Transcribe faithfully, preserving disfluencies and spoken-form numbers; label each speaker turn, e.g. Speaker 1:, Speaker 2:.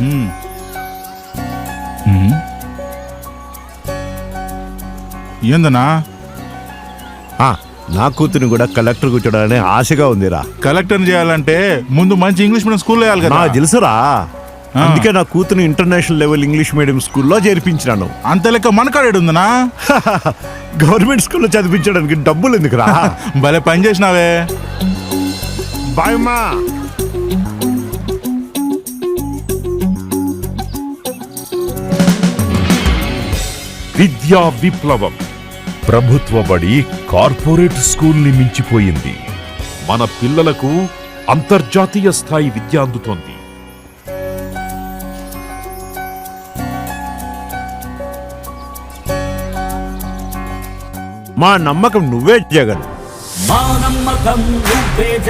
Speaker 1: ఏందన్నా?
Speaker 2: నా కూతురిని కూడా కలెక్టర్ కూర్చోడాలని ఆశగా ఉందిరా.
Speaker 1: కలెక్టర్ చేయాలంటే ముందు మంచి ఇంగ్లీష్ మీడియం స్కూల్లో వేయాలి కదా.
Speaker 2: తెలుసురా, అందుకే నా కూతురు ఇంటర్నేషనల్ లెవెల్ ఇంగ్లీష్ మీడియం స్కూల్లో చేర్పించినాను.
Speaker 1: అంత లెక్క మనకాడేడు ఉందనా?
Speaker 2: గవర్నమెంట్ స్కూల్లో చదివించడానికి డబ్బులు ఎందుకురా?
Speaker 1: భలే పని చేసినావే.
Speaker 2: బాయమ్మా.
Speaker 3: విద్యా విప్లవం ప్రభుత్వ బడి కార్పొరేట్ స్కూల్ని మించిపోయింది. మన పిల్లలకు అంతర్జాతీయ స్థాయి విద్య అందుతోంది.
Speaker 2: మా నమ్మకం నువ్వే జగన్.
Speaker 4: మా నమ్మకం నువ్వే